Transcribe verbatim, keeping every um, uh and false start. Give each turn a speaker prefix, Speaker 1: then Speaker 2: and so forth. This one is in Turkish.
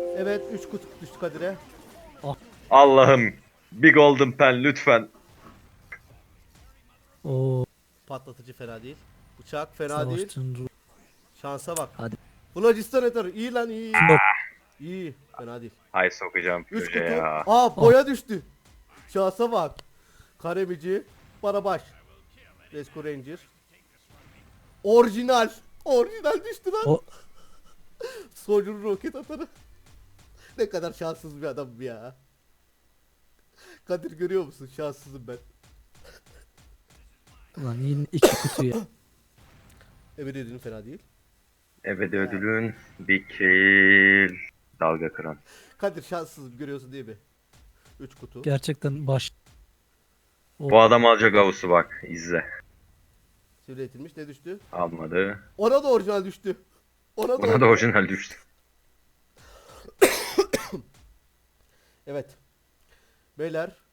Speaker 1: Evet üç kutu düştü Kadir'e.
Speaker 2: Allah'ım. Bir golden pen lütfen.
Speaker 3: Oo,
Speaker 1: Patlatıcı fena değil. Bıçak fena değil.
Speaker 3: savaşçının ruhu.
Speaker 1: Şansa bak.
Speaker 3: Hadi.
Speaker 1: Phlogiston Ether iyi lan iyi.
Speaker 3: Flop.
Speaker 1: İyi fena değil.
Speaker 2: Ay sokacağım
Speaker 1: üç
Speaker 2: proje
Speaker 1: kutu.
Speaker 2: ya.
Speaker 1: Aa boya düştü. Şansa bak. Karemici. Barabaş. Rescue Ranger. Orijinal. Orijinal düştü lan.
Speaker 3: O
Speaker 1: Soldier roket atarı. Ne kadar şanssız bir adam ya. Kadir görüyor musun? Şanssızım ben.
Speaker 3: ulan yine iki kutu ya.
Speaker 1: Emir ödülün fena değil.
Speaker 2: Ebedi ödülün bir kill. Dalga kıran.
Speaker 1: Kadir şanssızım görüyorsun değil mi? üç kutu.
Speaker 3: Gerçekten baş.
Speaker 2: Bu adam alacak avusu bak. İzle.
Speaker 1: Sivri etilmiş ne düştü?
Speaker 2: Almadı.
Speaker 1: Ona da orijinal düştü. Ona da,
Speaker 2: Buna da orijinal düştü.
Speaker 1: Evet. Beyler